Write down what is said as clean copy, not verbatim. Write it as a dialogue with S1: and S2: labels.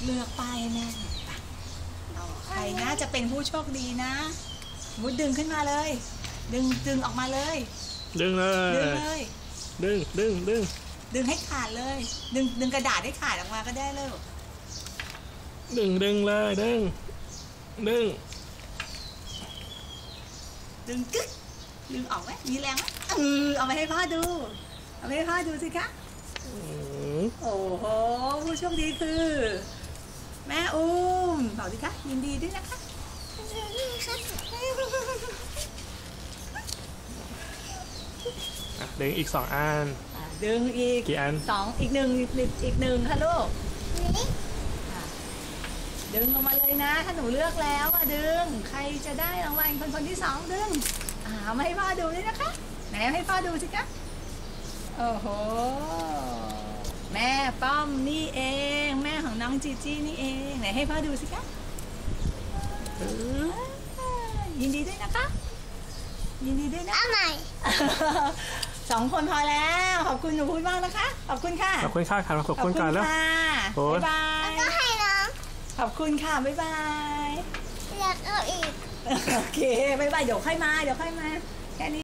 S1: เลือกป้ายแม่ใครน่าจะเป็นผู้โชคดีนะมุดดึงขึ้นมาเลยดึงออกมาเลย
S2: ดึงเลยดึง
S1: ให้ขาดเลยดึงกระดาษให้ขาดออกมาก็ได้เลย
S2: ดึงเลยดึง
S1: กึ๊กดึงออกไหมมีแรงไหมเอาไปให้พ่อดูสิคะโอ้โหผู้โชคดีคือแม่อุ้มบอกสิคะยินดีด้วยนะคะ
S2: ดึงอีก2 อัน
S1: ดึงอีก
S2: กี่อัน
S1: 2อีก1ค่ะลูกดึงออกมาเลยนะถ้าหนูเลือกแล้วดึงใครจะได้รางวัลคนที่2ดึงมาให้พ่อดูด้วยนะคะไหนให้พ่อดูสิคะโอ้โหแม่ป้อมนี่เองแม่ของน้องจีจี้นี่เองไหนให้พ่อดูสิคะยินดีด้วยนะคะยินดีด้วยนะ
S3: เอาใหม่
S1: 2 คนพอแล้วขอบคุณหนูพูดมากนะคะขอบคุณค่ะ
S2: ขอบคุณค่ะขอบคุณกันแล้ว
S1: บ๊ายบาย
S3: แล้วก็ให้น้อง
S1: ขอบคุณค่ะบ๊ายบาย
S3: อยากเอาอีก
S1: โอเคบ๊ายบายเดี๋ยวค่อยมาแค่นี้